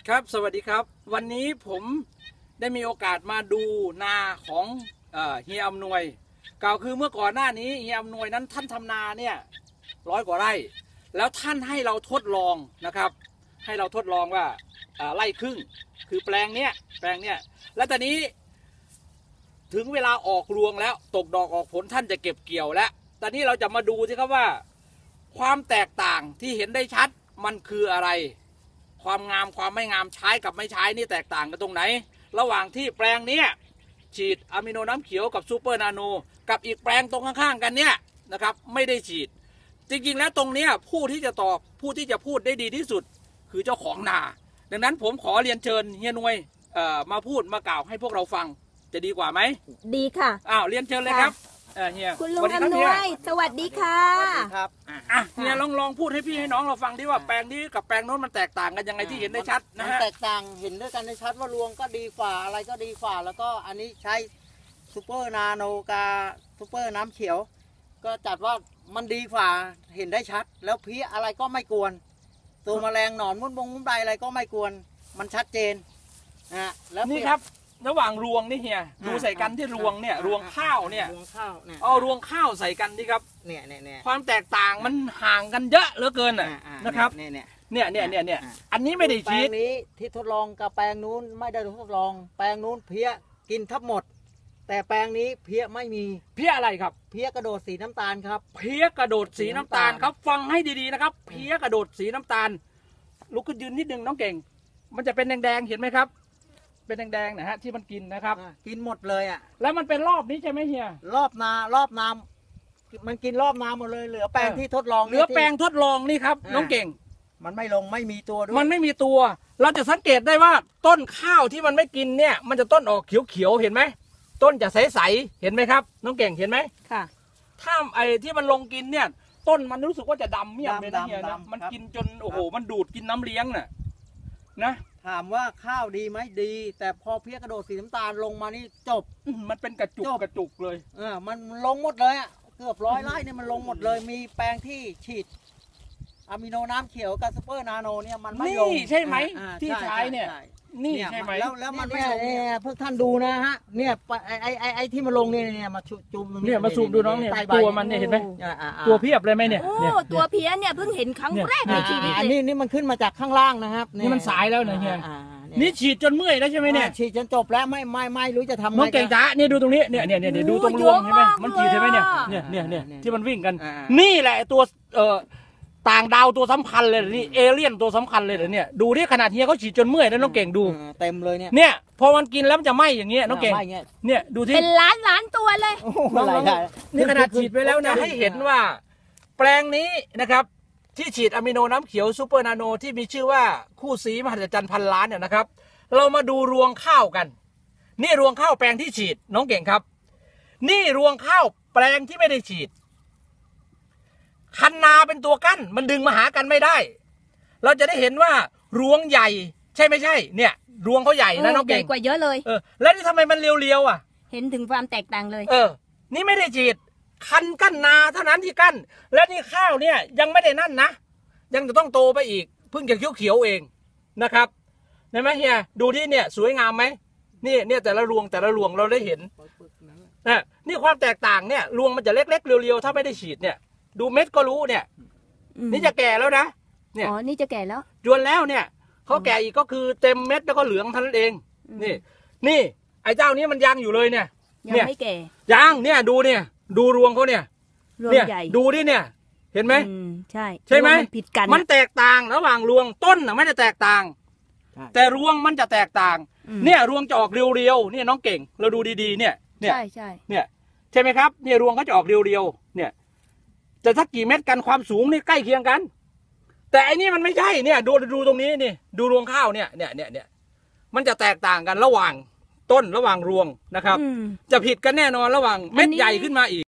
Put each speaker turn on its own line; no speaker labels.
ครับสวัสดีครับวันนี้ผมได้มีโอกาสมาดูนาของเฮียอำนวยกล่าวคือเมื่อก่อนหน้านี้เฮียอำนวยนั้นท่านทำนาเนี่ย100 กว่าไร่แล้วท่านให้เราทดลองนะครับให้เราทดลองว่าไร่ครึ่งคือแปลงเนี้ยแล้วตอนนี้ถึงเวลาออกรวงแล้วตกดอกออกผลท่านจะเก็บเกี่ยวแล้วตอนนี้เราจะมาดูสิครับว่าความแตกต่างที่เห็นได้ชัดมันคืออะไรความงามความไม่งามใช้กับไม่ใช้นี่แตกต่างกันตรงไหนระหว่างที่แปลงนี้ฉีดอะมิโนน้ำเขียวกับซูเปอร์นาโนกับอีกแปลงตรงข้างๆกันเนี่ยนะครับไม่ได้ฉีดจริงๆแล้วตรงนี้ผู้ที่จะตอบผู้ที่จะพูดได้ดีที่สุดคือเจ้าของนาดังนั้นผมขอเรียนเชิญเฮียนวยมาพูดมากล่าวให้พวกเราฟังจะดีกว่าไหมดีค่ะเรียนเชิญเลยครับเฮีย
คุณลุงอำนวยสวัสดีค่ะ
สวัสดีครับเฮียลองพูดให้พี่ให้น้องเราฟังดิว่าแปลงนี้กับแปลงโน้นมันแตกต่างกันยังไงที่เห็นได้ชัดนะฮะ
แตกต่างเห็นด้วยกันได้ชัดว่ารวงก็ดีกว่าอะไรก็ดีกว่าแล้วก็อันนี้ใช้ซูเปอร์นาโนกาซูเปอร์น้ำเขียวก็จัดว่ามันดีกว่าเห็นได้ชัดแล้วเพี้ยอะไรก็ไม่กวนตัวแมลงหนอนมุ้งใดอะไรก็ไม่กวนมันชัดเจน
แล้วนี่ครับระหว่างรวงนี่เฮียดูใส่กันที่รวงเนี่ยรวงข้าวเนี่ยรวงข้าวใส่กันนี่ครับเนี่ยความแตกต่างมันห่างกันเยอะเหลือเกินนะครับเนี่ยอันนี้ไม่ได้ฉีด
แปลงนี้ที่ทดลองกับแปลงนู้นไม่ได้ทดลองแปลงนู้นเพี้ยกินทับหมดแต่แปลงนี้เพี้ยไม่มี
เพี้ยอะไรครับ
เพี้ยกระโดดสีน้ำตาลครับ
เพี้ยกระโดดสีน้ำตาลครับฟังให้ดีๆนะครับเพี้ยกระโดดสีน้ำตาลลุกขึ้นยืนนิดนึงน้องเก่งมันจะเป็นแดงๆเห็นไหมครับเป็นแดงๆนะฮะที่มันกินนะครับ
กินหมดเลย
แล้วมันเป็นรอบนี้ใช่ไหมเฮีย
รอบนามันกินรอบนาหมดเลยเหลือแปลงที่ทดลอง
เหลือแปลงทดลองนี่ครับน้องเก่ง
มันไม่ลงไม่มีตัวด้วย
มันไม่มีตัวเราจะสังเกตได้ว่าต้นข้าวที่มันไม่กินเนี่ยมันจะต้นออกเขียวๆเห็นไหมต้นจะใสๆเห็นไหมครับน้องเก่งเห็นไหม
ค่ะ
ถ้าไอ้ที่มันลงกินเนี่ยต้นมันรู้สึกว่าจะดำเมี่ยมเลยนะเฮียนะมันกินจนโอ้โหมันดูดกินน้ำเลี้ยงน่ะนะ
ถามว่าข้าวดีไหมดีแต่พอเพี้ยกระโดดสีน้ำตาลลงมานี่จบ
มันเป็นกระจุกเลย
มันลงหมดเลยเกือบ100 ไร่เนี่ยมันลงหมดเลยมีแปลงที่ฉีดอะมิโนน้ำเขียวกับซูเปอร์นาโนเนี่ยมันไม่ลง
ใช่ไหมที่ใช้เนี่ยนี่ใช่ไหม
แล้วมันเนี่ยพวกท่านดูนะฮะเนี่ยไอ้ที่มาลงเนี่ยมาจุ่ม
เนี่ยมาซูมดูน้องเนี่ยตัวมันเนี่ยเห็นไหมตัวเพียบเลยไหมเนี่ย
ตัวเพี้ยเนี่ยเพิ่งเห็นครั้งแรกในชีวิตเลย
นี่มันขึ้นมาจากข้างล่างนะครับ
นี่มันสายแล้วนะเฮียนี่ฉีดจนเมื่อยแล้วใช่ไหมเนี่ย
ฉีดจนจบแล้วไม่รู้จะทำไง
น้องเก่งจ้านี่ดูตรงนี้เนี่ยดูตรงรวงใช่ไหมมันฉีดใช่ไหมเนี่ยที่มันวิ่งกันนี่แหละตัวต่างดาวตัวสำคัญเลยนี่เอเลี่ยนตัวสำคัญเลยเนี่ยดูที่ขนาดเฮียเขาฉีดจนเมื่อยแล้วน้องเก่งดู
เต็มเลย
เนี่ยพอมันกินแล้วมันจะไหมอย่างเงี้ยน้องเก่งเนี่ยดูที่
เป็นล้านตัวเลย
นี่ขนาดฉีดไปแล้วนะให้เห็นว่าแปลงนี้นะครับที่ฉีดอะมิโนน้ำเขียวซูเปอร์นาโนที่มีชื่อว่าคู่สีมหัศจรรย์พันล้านเนี่ยนะครับเรามาดูรวงข้าวกันนี่รวงข้าวแปลงที่ฉีดน้องเก่งครับนี่รวงข้าวแปลงที่ไม่ได้ฉีดคันนาเป็นตัวกั้นมันดึงมาหากันไม่ได้เราจะได้เห็นว่ารวงใหญ่ใช่ไม่ใช่เนี่ยรวงเขาใหญ่นะน้องเก่ง
ใหญ่กว่าเยอะเลย
แล้วนี่ทำไมมันเรียว
เห็นถึงความแตกต่างเลย
นี่ไม่ได้ฉีดคันกั้นนาเท่านั้นที่กั้นและนี่ข้าวเนี่ยยังไม่ได้นั่นนะยังจะต้องโตไปอีกเพิ่งจะเขียวเองนะครับเห็นไหมเฮียดูที่เนี่ยสวยงามไหมนี่แต่ละรวงเราได้เห็นนี่ความแตกต่างเนี่ยรวงมันจะเล็กๆเรียวๆถ้าไม่ได้ฉีดเนี่ยดูเม็ดก็รู้เนี่ยนี่จะแก่แล้วนะ
เนี่ยนี่จะแก่แล้ว
จวนแล้วเนี่ยเขาแก่อีกก็คือเต็มเม็ดแล้วก็เหลืองเท่านั้นเองนี่ไอ้เจ้านี้มันยังอยู่เลยเนี่ย
ยังไม่แก่
ยังเนี่ยดูเนี่ยดูรวงเขาเนี่ยดูดิเนี่ยเห็นไหมใช่ไหม
ผิดกัน
มันแตกต่างระหว่างรวงต้นไม่ได้แตกต่างแต่รวงมันจะแตกต่างเนี่ยรวงจะออกเรียวๆเนี่ยน้องเก่งเราดูดีๆเนี่ย
ใช่
เนี่ยใช่ไหมครับเนี่ยรวงเขาจะออกเรียวๆเนี่ยแต่ถ้ากี่เม็ดกันความสูงนี่ใกล้เคียงกันแต่อันนี้มันไม่ใช่เนี่ยดูตรงนี้นี่ดูรวงข้าวเนี่ยมันจะแตกต่างกันระหว่างต้นระหว่างรวงนะครับจะผิดกันแน่นอนระหว่างเม็ดใหญ่ขึ้นมาอีก